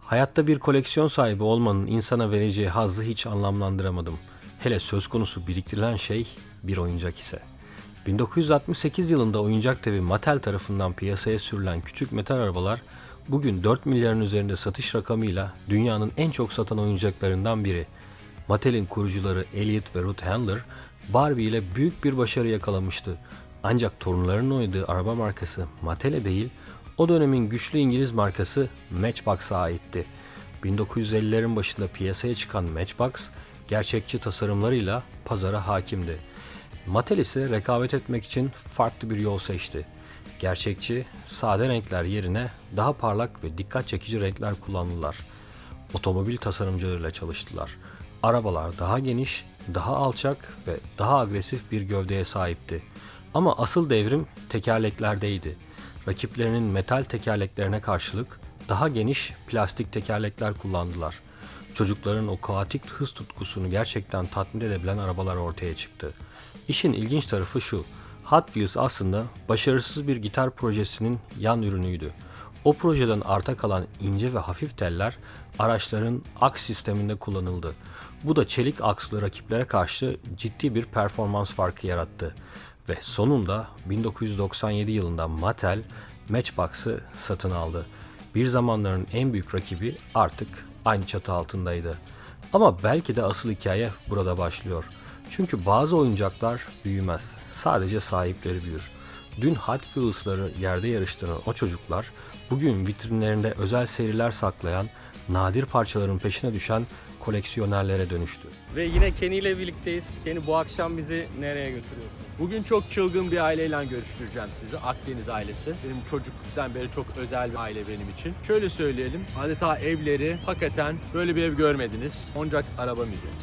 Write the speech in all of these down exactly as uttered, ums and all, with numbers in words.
Hayatta bir koleksiyon sahibi olmanın insana vereceği hazzı hiç anlamlandıramadım. Hele söz konusu biriktirilen şey bir oyuncak ise. bin dokuz yüz altmış sekiz yılında oyuncak devi Mattel tarafından piyasaya sürülen küçük metal arabalar bugün dört milyarın üzerinde satış rakamıyla dünyanın en çok satan oyuncaklarından biri. Mattel'in kurucuları Elliot ve Ruth Handler, Barbie ile büyük bir başarı yakalamıştı. Ancak torunlarının oynadığı araba markası Mattel'e değil, o dönemin güçlü İngiliz markası Matchbox'a aitti. bin dokuz yüz ellilerin başında piyasaya çıkan Matchbox, gerçekçi tasarımlarıyla pazara hakimdi. Mattel ise rekabet etmek için farklı bir yol seçti. Gerçekçi, sade renkler yerine daha parlak ve dikkat çekici renkler kullandılar. Otomobil tasarımcılarıyla çalıştılar. Arabalar daha geniş, daha alçak ve daha agresif bir gövdeye sahipti. Ama asıl devrim tekerleklerdeydi. Rakiplerinin metal tekerleklerine karşılık daha geniş plastik tekerlekler kullandılar. Çocukların o kaotik hız tutkusunu gerçekten tatmin edebilen arabalar ortaya çıktı. İşin ilginç tarafı şu, Hot Wheels aslında başarısız bir gitar projesinin yan ürünüydü. O projeden arta kalan ince ve hafif teller araçların aks sisteminde kullanıldı. Bu da çelik akslı rakiplere karşı ciddi bir performans farkı yarattı. Ve sonunda bin dokuz yüz doksan yedi yılında Mattel Matchbox'ı satın aldı. Bir zamanların en büyük rakibi artık aynı çatı altındaydı. Ama belki de asıl hikaye burada başlıyor. Çünkü bazı oyuncaklar büyümez, sadece sahipleri büyür. Dün Hot Wheels'ları yerde yarıştıran o çocuklar, bugün vitrinlerinde özel seriler saklayan, nadir parçaların peşine düşen koleksiyonerlere dönüştü. Ve yine Kenny ile birlikteyiz. Kenny, bu akşam bizi nereye götürüyorsun? Bugün çok çılgın bir aileyle görüştüreceğim sizi. Akdeniz ailesi. Benim çocukluktan beri çok özel bir aile benim için. Şöyle söyleyelim. Adeta evleri hakikaten böyle bir ev görmediniz. Oyuncak Araba Müzesi.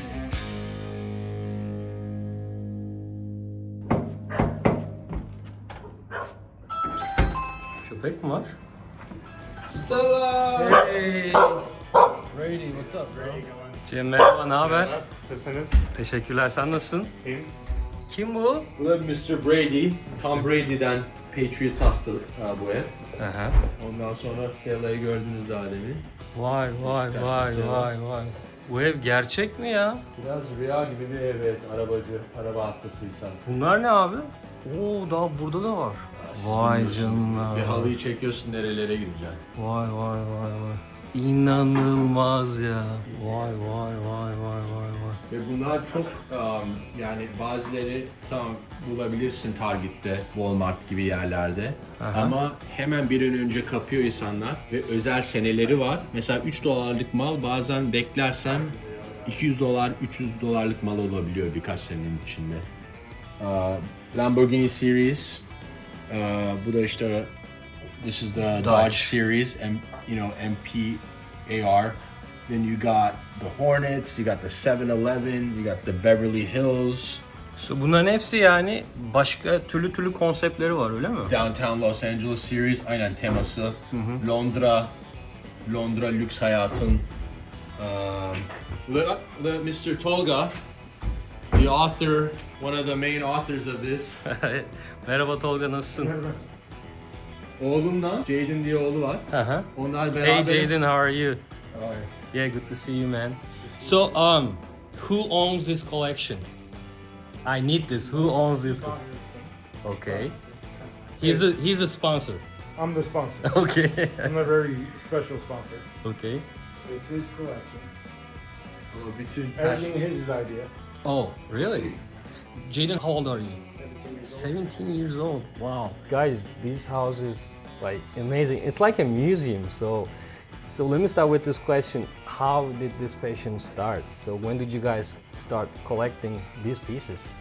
Köpek mi var? Stella! Hey! Brady, what's up bro? Cem merhaba, ne haber? Nasılsınız? Teşekkürler, sen nasılsın? İyiyim. Kim bu? Bu da mister Brady. Tom Brady'den Patriots hasta bu ev. Aha. Ondan sonra Stella'yı gördünüz daha demin. Vay vay Beşiktaşlı vay Stella. vay vay. Bu ev gerçek mi ya? Biraz rüya gibi bir ev, evet. Arabacı, araba hastasıysan. Bunlar ne abi? Oo, daha burada da var. Vay canına. Bir halıyı çekiyorsun, nerelere gideceksin. Vay vay vay vay. İnanılmaz ya. Vay vay vay vay vay vay. Ve bunlar çok um, yani bazıları tam bulabilirsin Target'te, Walmart gibi yerlerde. Aha. Ama hemen bir an önce kapıyor insanlar ve özel seneleri var. Mesela üç dolarlık mal bazen beklersem iki yüz dolar, üç yüz dolarlık mal olabiliyor birkaç senenin içinde. Uh, Lamborghini Series, uh, bu da işte this is the Dodge, Dodge. Series, M, you know, M P A R. Then you got the Hornets, you got the seven eleven, you got the Beverly Hills, So bunların hepsi yani başka türlü türlü konseptleri var, öyle mi? Downtown Los Angeles Series, aynen teması. Londra, Londra lüks hayatın. Um, the, the mister Tolga, the author, one of the main authors of this. Merhaba Tolga, nasılsın? Oğlumdan, Jaden diye oğlu var. Aha. Onlar beraber. Hey Jaden, how are you? Ay. Yeah, good to see you, man. So, um, who owns this collection? I need this. Who owns this? co- Okay. He's a he's a sponsor. I'm the sponsor. Okay. I'm a very special sponsor. Okay. It's his collection. Ama bütün Everything his idea. Oh, really? Jaden, how old are you? seventeen years old. Wow. Guys, this house is like amazing. It's like a museum. So so let me start with this question. How did this passion start? So when did you guys start collecting these pieces?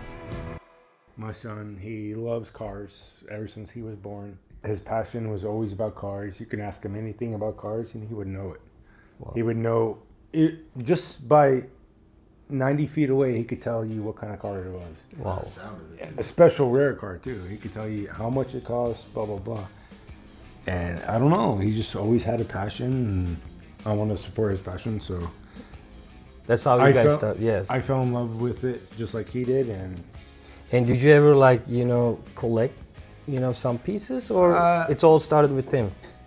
My son, he loves cars ever since he was born. His passion was always about cars. You can ask him anything about cars and he would know it. Wow. He would know it just by ninety feet away. He could tell you what kind of car it was. Wow. A special rare car too. He could tell you how much it costs, blah blah blah. And I don't know. He just always had a passion, and I want to support his passion. So That's how you I guys fell, start. Yes. I fell in love with it just like he did, and And did you ever like, you know, collect, you know, some pieces, or Uh, it's all started with him?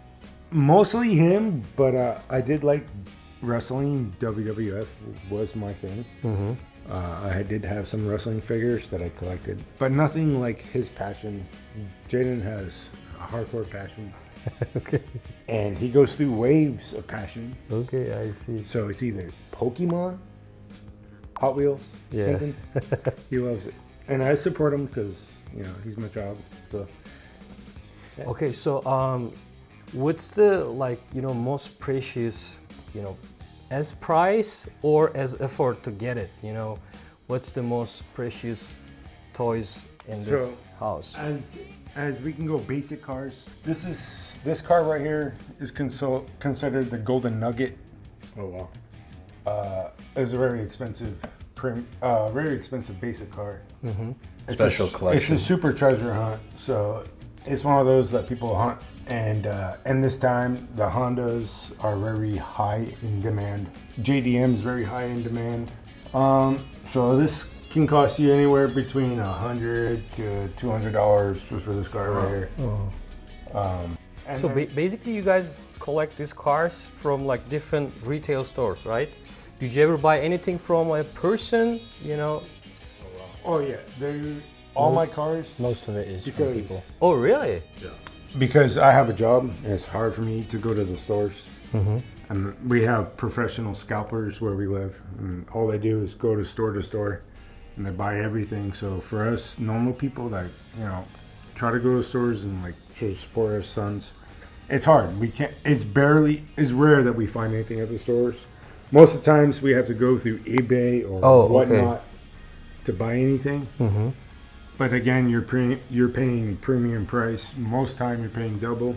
Mostly him, but uh, I did like wrestling. W W F was my thing. Mm-hmm. Uh, I did have some wrestling figures that I collected, but nothing like his passion. Jaden has a hardcore passion, Okay. and he goes through waves of passion. Okay, I see. So it's either Pokemon, Hot Wheels, Yeah. something. He loves it, and I support him because you know he's my child. So Okay, so um, what's the like you know most precious you know as price or as effort to get it? You know, what's the most precious toys in this So, house? as as we can go basic cars, this is this car right here is consol- considered the golden nugget. Oh wow! Uh, it's a very expensive, prim, uh, very expensive basic car. Mm-hmm. It's Special a, collection. It's a super treasure hunt. So it's one of those that people hunt, and uh, and this time the Hondas are very high in demand. J D M is very high in demand. Um, so this can cost you anywhere between a hundred to two hundred dollars just for this car right here. Um, and So then- ba- basically, you guys collect these cars from like different retail stores, right? Did you ever buy anything from a person? You know? oh yeah, they all my cars. Most of it is from Because- people. Oh, really? Because I have a job and it's hard for me to go to the stores. Mm-hmm. And we have professional scalpers where we live. And all they do is go to store to store and they buy everything. So for us normal people that, you know, try to go to stores and like to support our sons, it's hard. We can't, it's barely, it's rare that we find anything at the stores. Most of the times we have to go through eBay or Oh, okay. whatnot to buy anything. Mm-hmm. But again, you're pre- you're paying premium price. Most time you're paying double.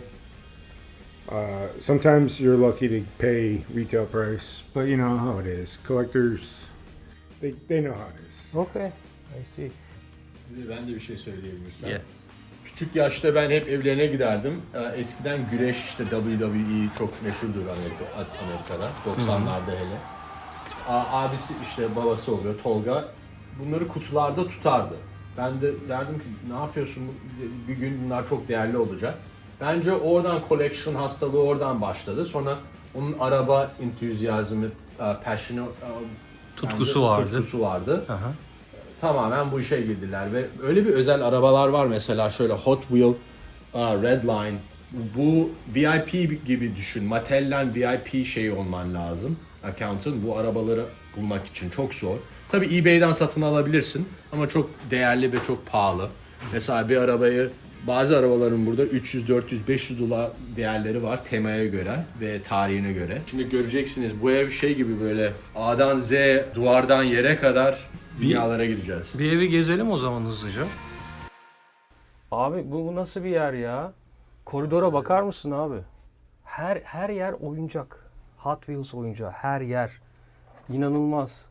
Uh, sometimes you're lucky to pay retail price, but you know how it is. Collectors, they, they know how it is. Okay, I see. Bir de Ben de bir şey söyleyebilirsem. Yeah. Küçük yaşta ben hep evlerine giderdim. Ee, Eskiden güreş işte W W E çok meşhurdur Amerika, at- Amerika'da. doksanlarda hele. A- Abisi işte babası oluyor Tolga. Bunları kutularda tutardı. Ben de derdim ki ne yapıyorsun bir gün bunlar çok değerli olacak. Bence oradan collection hastalığı oradan başladı. Sonra onun araba entüzyazmı, e, passion'ı, e, Tutkusu bence vardı. Tutkusu vardı. Aha. Tamamen bu işe girdiler ve öyle bir özel arabalar var mesela şöyle Hot Wheel, uh, Redline. Bu V I P gibi düşün. Mattel'den V I P şeyi olman lazım. Account'ın bu arabaları bulmak için çok zor. Tabii eBay'den satın alabilirsin ama çok değerli ve çok pahalı. Mesela bir arabayı bazı arabaların burada üç yüz, dört yüz, beş yüz dolar değerleri var temaya göre ve tarihine göre. Şimdi göreceksiniz bu ev şey gibi böyle A'dan Z, duvardan yere kadar dünyalara gideceğiz. Bir evi gezelim o zaman hızlıca. Abi bu, bu nasıl bir yer ya? Koridora bakar mısın abi? Her her yer oyuncak. Hot Wheels oyuncağı her yer. İnanılmaz.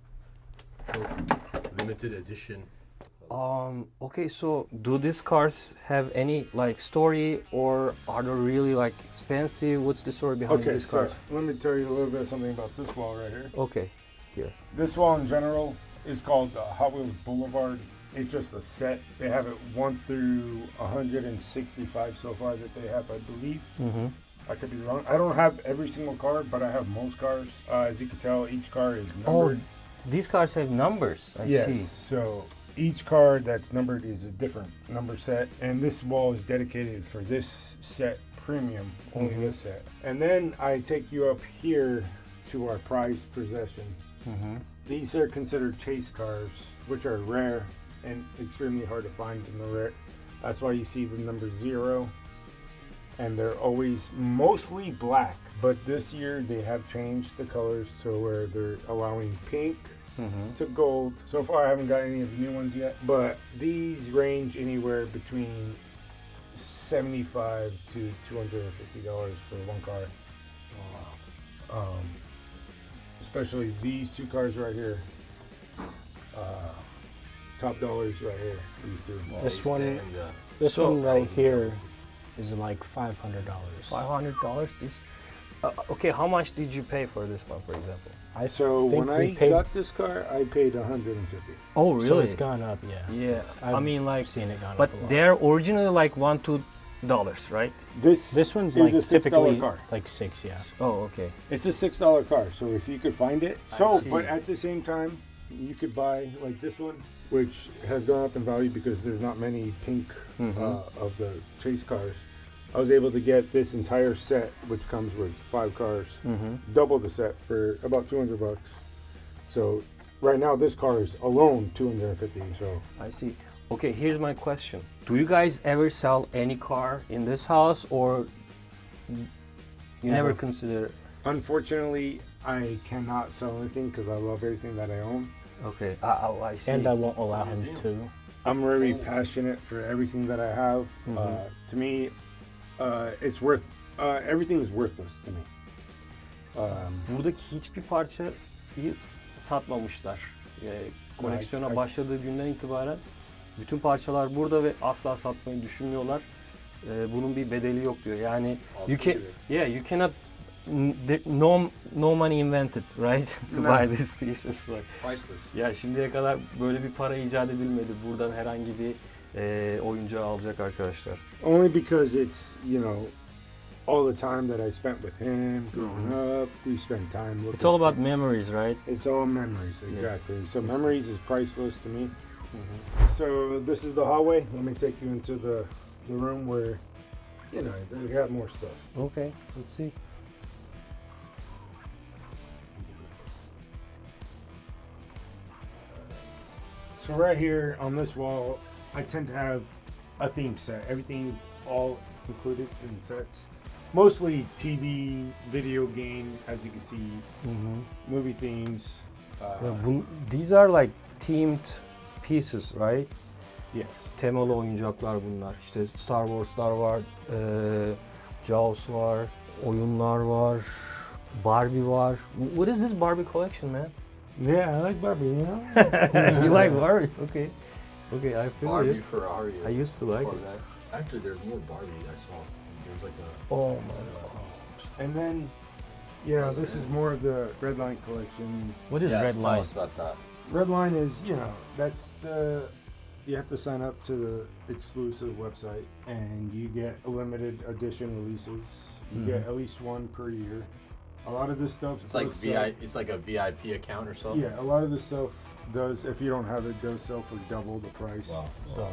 Limited edition. Um, okay, so do these cars have any like story or are they really like expensive? What's the story behind Okay, these so cars? let me tell you a little bit something about this wall right here. Okay, here. This wall in general is called uh, Hot Wheels Boulevard. It's just a set. They have it one through one hundred sixty-five so far that they have, I believe. Mm-hmm. I could be wrong. I don't have every single car, but I have most cars. Uh, as you can tell, each car is Oh, numbered. these cars have numbers. I yes. see. So each car that's numbered is a different number set, and this wall is dedicated for this set premium, only Mhm. this set. And then I take you up here to our prized possession. Mm-hmm. These are considered chase cars, which are rare and extremely hard to find in the rare. That's why you see the number zero, and they're always mostly black. But this year they have changed the colors to where they're allowing pink Mm-hmm. to gold. So far I haven't got any of the new ones yet, but these range anywhere between seventy-five to two hundred fifty dollars for one car. Um, especially these two cars right here. Uh, top dollars right here. These two. This one, And, uh, this So- one right here is like five hundred dollars. Five hundred dollars. This. Uh, okay, how much did you pay for this one, for example? I So think when we I paid, got this car, I paid one hundred fifty. Oh, so it's gone up. Yeah, Yeah. I I've mean, like, seen it gone but up a lot. they're originally like one to dollars, right? This This one's is like a six dollar typically car. like six, yeah. Oh, okay. It's a six dollar car, so if you could find it. So, see. but at the same time, you could buy like this one, which has gone up in value because there's not many pink uh, of the chase cars. I was able to get this entire set, which comes with five cars, double the set for about two hundred bucks. So, right now this car is alone two hundred fifty. So, I see. Okay, here's my question. Do you guys ever sell any car in this house, or you never Never. consider? unfortunately, I cannot sell anything because I love everything that I own. Okay, uh, oh, I see. And I won't allow him to. I'm very passionate for everything that I have. Uh, to me, uh, it's worth. Uh, everything is worthless to me. Um, Buradaki hiçbir parçayı s- satmamışlar. Ee, koleksiyona Ay- ay- başladığı günden itibaren bütün parçalar burada ve asla satmayı düşünmüyorlar. Ee, bunun bir bedeli yok diyor. Yani you can, yeah, you cannot, n- there- no no money invented, right, to No. buy these pieces. Like, Priceless. ya şimdiye kadar böyle bir para icat edilmedi. Buradan herhangi bir e, oyuncağı alacak arkadaşlar. only because it's you know all the time that I spent with him growing up. We spent time looking. It's all about memories, right? It's all memories, exactly. So memories is priceless to me. So this is the hallway. Let me take you into the the room where you know they got more stuff. Okay, let's see. So right here on this wall, I tend to have a theme set. Everything's all included in sets. Mostly T V, video game, as you can see, movie themes. Uh, Ya bu, these are like themed pieces, right? yes. Temalı oyuncaklar bunlar. İşte Star Wars'lar var, eee Jaws var, oyunlar var, Barbie var. What is this Barbie collection, man? Yeah, I like Barbie. You know. You like Barbie? Okay. Okay, I feel Barbie it. Ferrari. I used to like Oh, it. that- Actually, there's more Barbie I saw. There's like a. Oh my god. And then, yeah, this is more of the Red Line collection. What is Yes, Red tell Line? us about that. Red Line is, you know, that's the. You have to sign up to the exclusive website, and you get limited edition releases. You get at least one per year. A lot of this stuff. It's like does V sell- I. It's like a V I P account or something. Yeah, a lot of this stuff does. If you don't have it, does sell for double the price. Wow. So,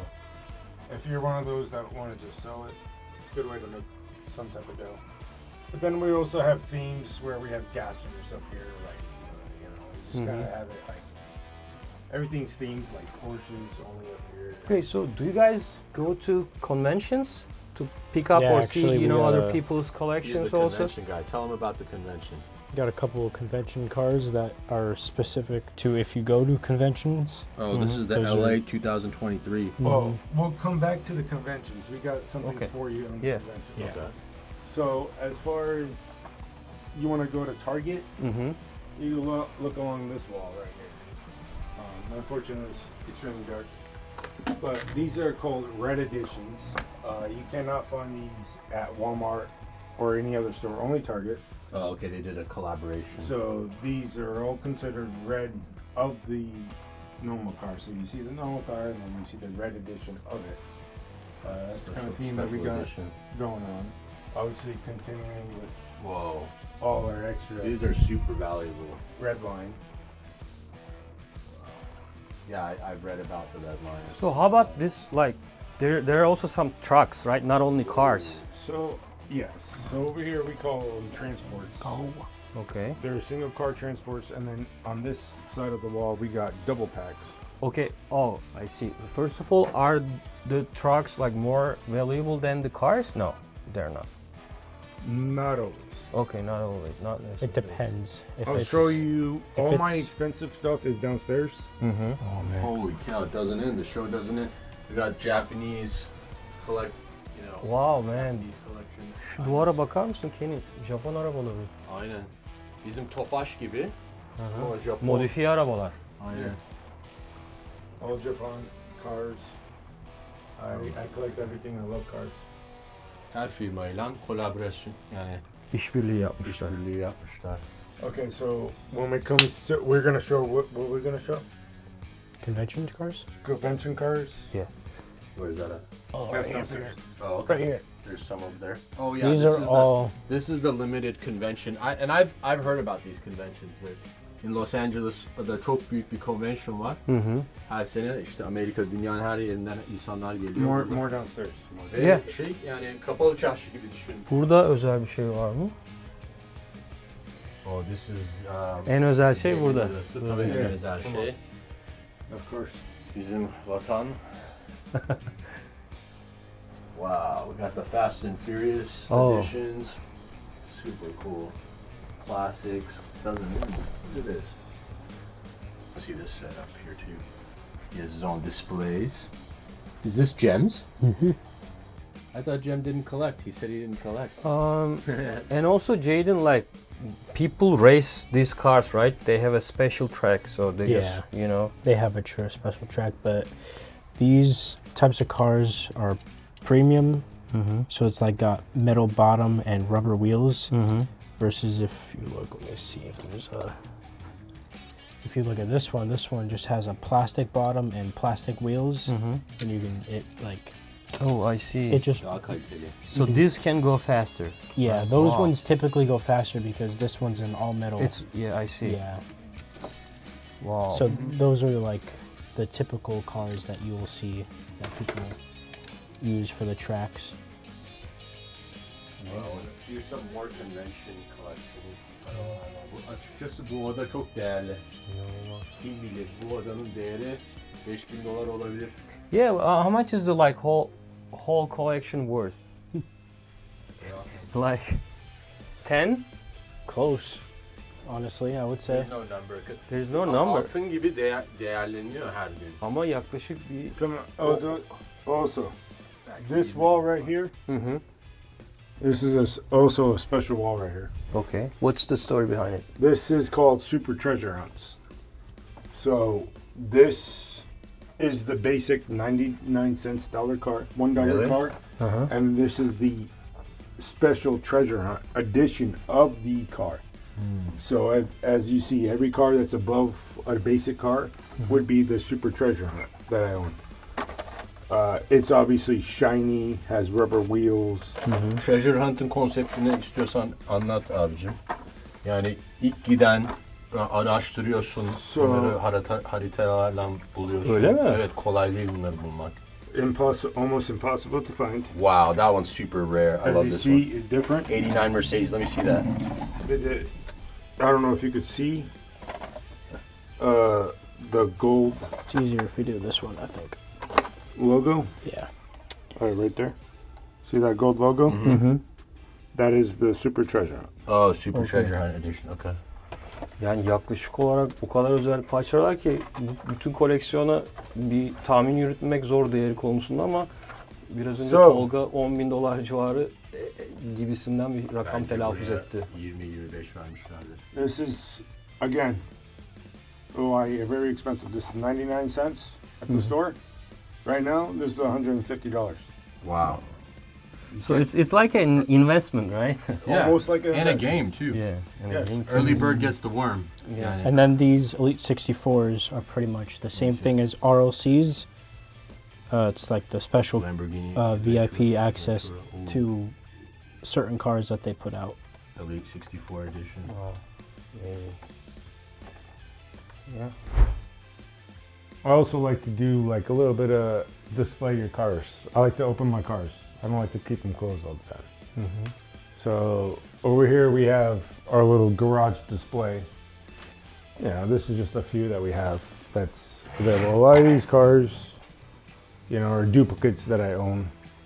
if you're one of those that want to just sell it, it's a good way to make some type of dough. But then we also have themes where we have gassers up here, like uh, you know, we just kind of have it like everything's themed, like Porsches only up here. Okay, so do you guys go to conventions to pick up Yeah, or see, actually, you we know, got other a- people's He's the collections also? convention guy. Tell him about the convention. Got a couple of convention cars that are specific to if you go to conventions. Oh, this is the Those L A are- twenty twenty-three. Well, we'll come back to the conventions. We got something Okay. for you on the Yeah. convention. Yeah. Okay. So as far as you want to go to Target, Mm-hmm. you look, look along this wall right here. Um, unfortunately, it's extremely dark. But these are called red editions. Uh, you cannot find these at Walmart or any other store, only Target. Oh, okay. They did a collaboration. So these are all considered red of the normal car. So you see the normal car and then you see the red edition of it. Uh, that's the kind of Special- theme that we special got edition. going on. Obviously continuing with Whoa. all our extra These are super valuable. red line. Yeah, I, I've read about the red line. So how about this, like, there, there are also some trucks, right? Not only cars. So yes. So over here we call them transports. Oh. Okay. They're single car transports, and then on this side of the wall we got double packs. Okay. Oh, I see. First of all, are the trucks like more valuable than the cars? No, they're not. Not always. Okay, not always. Not necessarily. It depends. If I'll it's, show you. if All my it's- expensive stuff is downstairs. Mm-hmm. Oh man. Holy cow! It doesn't end. The show doesn't end. We got Japanese collect. You know. Wow, man. Japanese collection. Şu duvara bakar mısın Kenny? Japon arabaları. Aynen. Bizim Tofaş gibi. Aha. Ama Japon. Modifiye arabalar. Aynen. All Japan cars. I, I collect everything. I love cars. Her firmayla kolaborasyon yani İşbirliği yapmışlar. işbirliği yapmışlar. Okay, so when it comes to, we're gonna show what what we're gonna show. convention cars. Convention cars. Where is that at? Oh, That's downstairs. Oh, okay. Right here. There's some over there. Oh yeah, These this are is all. the, this is the limited convention. I, and I've I've heard about these conventions. That in Los Angeles'da çok büyük bir convention var. Hı hı. Her sene işte Amerika, dünyanın her yerinden insanlar geliyor. More, burada. more downstairs. More. Ve Yeah. şey yani kapalı çarşı gibi düşün. Burada özel bir şey var mı? Oh, this is um, En özel şey Geminin burada. odası. Tabii en Yeah. özel Come şey. Of course. Bizim vatan. Wow, we got the Fast and Furious Oh. editions. Super cool. Classics. Doesn't even, look at this. See this setup here too. He has his own displays. Is this Gems? I thought Jem didn't collect. He said he didn't collect. Um, and also Jaden, like, people race these cars, right? They have a special track, so they just, Yeah. you know. They have a true special track, but these types of cars are premium, Mm-hmm. so it's like got metal bottom and rubber wheels. Mm-hmm. Versus if you look, let me see if there's a. If you look at this one, this one just has a plastic bottom and plastic wheels, Mm-hmm. and you can it like Oh, I see. it just Daha kaliteli. so this can go faster. yeah. Those Wow. ones typically go faster because this one's an all metal. It's yeah, I see. yeah. Wow. So those are like the typical cars that you will see that people use for the tracks. Well, here's some more convention collection. Aa, bu açıkçası bu oda çok değerli. Kim bilir bu odanın değeri beş bin dolar olabilir. yeah, uh, how much is the like whole whole collection worth? Like ten? Close, honestly, I would say. There's no number. There's no Ama number. Altın gibi değer, değerleniyor her gün. Ama yaklaşık bir Come on. Oh, don't- also, this wall right here, mm-hmm. this is a s also a special wall right here. Okay. What's the story behind it? This is called Super Treasure Hunts. So this is the basic ninety-nine cents dollar car, one dollar Really? car, Uh-huh. and this is the special treasure hunt edition of the car. So as, as you see, every car that's above a basic car would be the Super Treasure Hunt that I own. Uh, it's obviously shiny, has rubber wheels. Treasure Hunt'ın konseptini istiyorsan anlat abicim. Yani ilk giden araştırıyorsun, So- bunları harita, haritalarla buluyorsun. Öyle mi? Evet, kolay değil bunları bulmak. Impossible, almost impossible to find. Wow, that one's super rare. I As love you this see, one. it's different. eighty-nine Mercedes, let me see that. The- the- I don't know if you could see uh, the gold It's easier if we do this one, I think. logo. Yeah. All right, right there. See that gold logo? Mm-hmm. That is the Super Treasure Hunt. Oh, Super Okay. Treasure Hunt Edition, okay. Yani yaklaşık olarak o kadar özel parçalar ki bu- bütün koleksiyona bir tahmin yürütmek zor değeri konusunda ama biraz önce So- Tolga on bin dolar civarı e, e, gibisinden bir rakam Bence telaffuz buraya etti. yirmi yirmi beş vermişlerdir. This is, again, oh, I, very expensive. This is ninety-nine cents at the store. Right now, this is one hundred fifty dollars. Wow. So it's it's like an investment, right? Yeah, Almost like a and a investment. game too. Yeah. And Yes. I think Early bird gets the worm. Yeah. Yani. And then these Elite sixty-fours are pretty much the same thing as R L Cs. Uh, it's like the special Lamborghini uh, V I P Ventura, access Ventura, ooh, to certain cars that they put out. Elite sixty-four edition. Wow. Yeah. Yeah. I also like to do like a little bit of display your cars. I like to open my cars. I don't like to keep them closed all the time. Mm-hmm. So over here we have our little garage display. Yeah, this is just a few that we have that's available. A lot of these cars, you know, are duplicates that I own.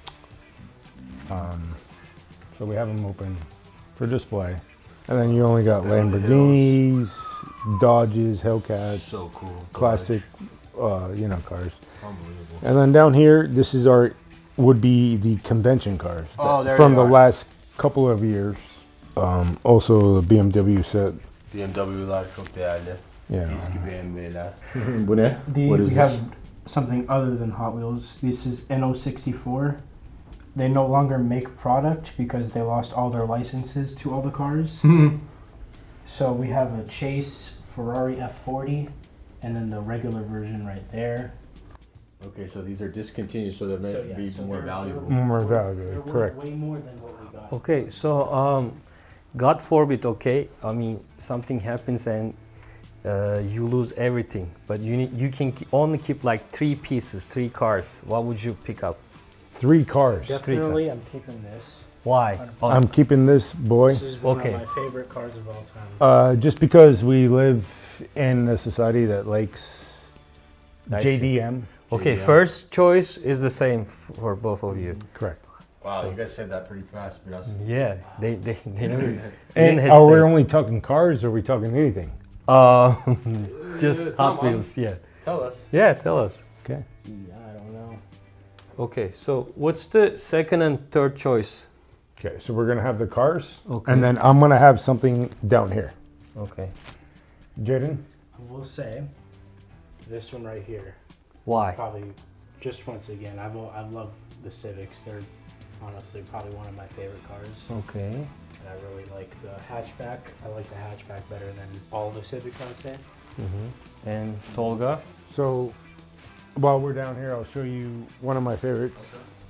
Um, so we have them open for display. And then you only got Beverly Lamborghinis, Dodges, Hellcats, So cool. classic, uh, you know, cars. Unbelievable. And then down here, this is our would be the convention cars Oh, there from they the are. last couple of years. Um, also, the B M W set. B M W'lar çok değerli. Yeah. Eski B M W'ler. Bu ne? The, What is we this? have something other than Hot Wheels. This is N O sixty-four. They no longer make product because they lost all their licenses to all the cars. So we have a Chase Ferrari F forty and then the regular version right there. Okay, so these are discontinued, so they're meant So, to yeah, be so more they're- valuable. More They're valuable, worth correct. way more than what we got. Okay, so um, God forbid, okay, I mean something happens and uh, you lose everything, but you need, you can ke- only keep like three pieces, three cars. What would you pick up? Three cars. Definitely, I'm keeping this. Why? Oh, I'm keeping this boy This is one Okay. of my favorite cars of all time. uh, just because we live in a society that likes I J D M. okay, Yeah. first choice is the same f- for both of you. Correct. Wow, So- you guys said that pretty fast, but Yeah, they they they never And didn't are we hesitate. only talking cars or are we talking anything? Uh, just Uh, come Hot on. Wheels, yeah. tell us. Yeah, tell us. Okay. Yeah, I don't know. Okay, so what's the second and third choice? Okay, so we're gonna have the cars, Okay. and then I'm gonna have something down here. Okay. Jaden, I will say, this one right here, Why? probably, just once again, I've I love the Civics. They're honestly probably one of my favorite cars. Okay. And I really like the hatchback. I like the hatchback better than all the Civics, I would say. Mm-hmm. And Tolga? so while we're down here, I'll show you one of my favorites.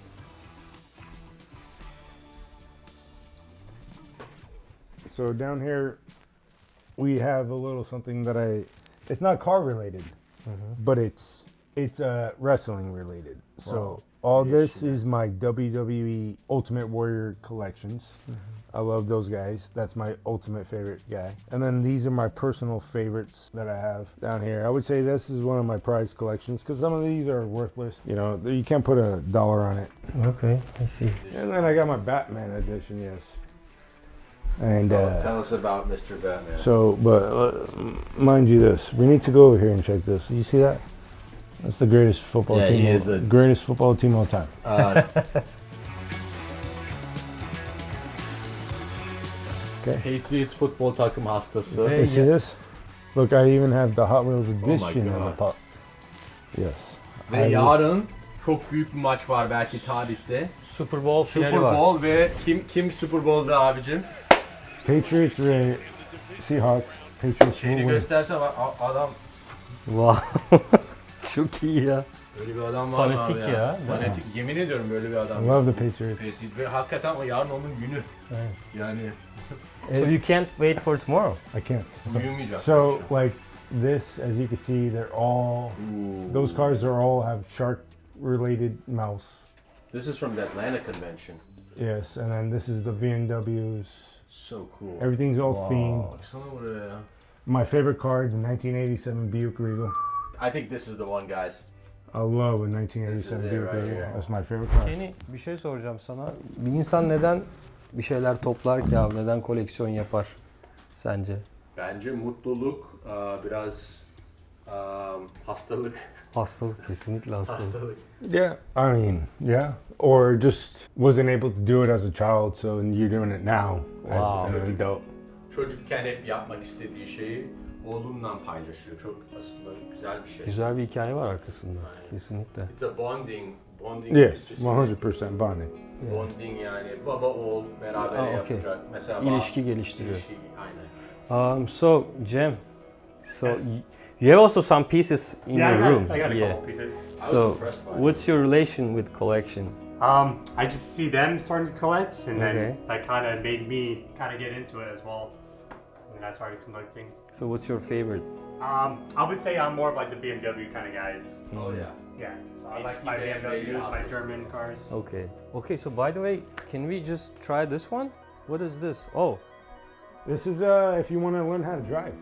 So down here, we have a little something that I. It's not car related, but it's it's uh, wrestling related. So all this is my W W E Ultimate Warrior collections. I love those guys. That's my ultimate favorite guy. And then these are my personal favorites that I have down here. I would say this is one of my prized collections because some of these are worthless. You know, you can't put a dollar on it. Okay, I see. And then I got my Batman edition, yes. And uh, tell us about Mister Batman. so, but uh, m- mind you, this we need to go over here and check this. You see that? That's the greatest football Yeah, team. he of- is a- greatest football team of all time. Uh, Okay. Patriots futbol takım hastası. Hey. You see this? Look, I even have the Hot Wheels my edition of the God. pop. Yes. Ve I- yarın çok büyük bir maç var belki tarihte. Super Bowl finali Super var. Bowl ve kim kim Super Bowl'da abicim? Patriots ve Seahawks. Patriots Şeyini will win. göstersen bak, a- adam Wow. Çok iyi ya. böyle bir adam var mı Fanatik abi ya, değil mi? Fanatik yemin ediyorum böyle bir adam. I love the Patriots. Patriot. Ve hakikaten o yarın onun günü. Evet. Yani So you can't wait for tomorrow. I can't. uyumayacağız. So, like this, as you can see, they're all. Ooh. Those cars are all have shark-related mouse. This is from the Atlanta convention. Yes, and then this is the B M Ws. So cool. Everything's all Wow. themed. Baksana buraya ya. My favorite car, the nineteen eighty-seven Buick Regal. I think this is the one, guys. I love a nineteen eighty-seven This is it Buick right Regal. here. That's my favorite car. Kenny, bir şey soracağım sana. Bir insan neden bir şeyler toplar ki abi? Neden koleksiyon yapar sence? Bence mutluluk, aa, biraz aa, hastalık. Hastalık, kesinlikle hastalık. Hastalık. Yeah, I mean, yeah. Or just wasn't able to do it as a child, so you're doing it now Wow. as an adult. Çocukken hep yapmak istediği şeyi oğlunla paylaşıyor. Çok aslında güzel bir şey. Güzel bir hikaye var arkasında. Kesinlikle. It's a bonding. Bonding Yes, is just one hundred percent bonding. bonding yani baba oğul beraber Aa, okey. yapacak. Mesela İlişki geliştiriyor. İlişki, aynen. Um, so Cem, so y- you have also some pieces in Yeah, I your got, room. I got a yeah. couple pieces. I was So impressed by it. what's your relation with collection? Um, I just see them starting to collect, and Okay. then that kind of made me kind of get into it as well. And then I started collecting. So what's your favorite? Um, I would say I'm more of like the B M W kind of guys. Oh yeah. Yeah, so I Eski like my B M W B M Ws, my houses. German cars. Okay. Okay, so by the way, can we just try this one? What is this? Oh, This is uh, if you want to learn how to drive.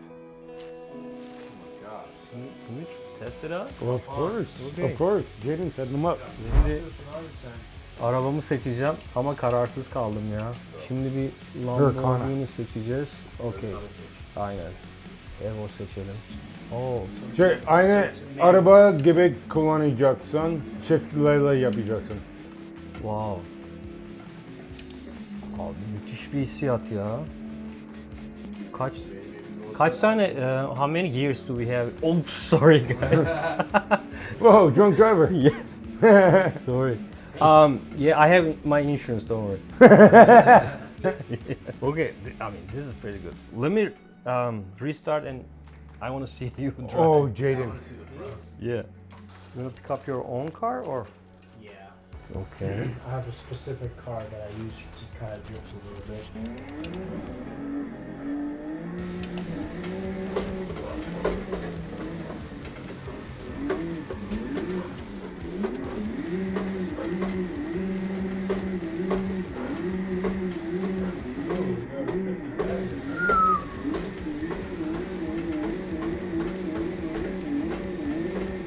God. can we, can we test it out? Well, of course, Okay. of course. Jaden set them up. Şimdi arabamı seçeceğim ama kararsız kaldım ya. Şimdi bir Lamborghini seçeceğiz. Okey. Aynen. Evo seçelim. Oo. Şey, aynı araba gibi kullanacaksın. Çiftlerle yapacaksın. Wow. Abi müthiş bir hissiyat ya. Kaç kaç tane uh, how many years do we have? Oh, sorry guys. Whoa, drunk driver. Sorry. Um, yeah, I have my insurance. Don't worry. Okay, th- I mean this is pretty good. Let me um, restart and I want to see you drive. Oh, Jaden. Yeah. You want to pick up your own car or? Yeah. Okay. I have a specific car that I use to kind of drift a little bit.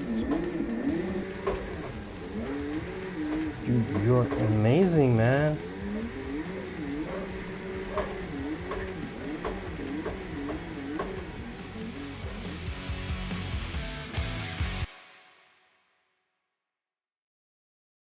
Dude, you're amazing, man.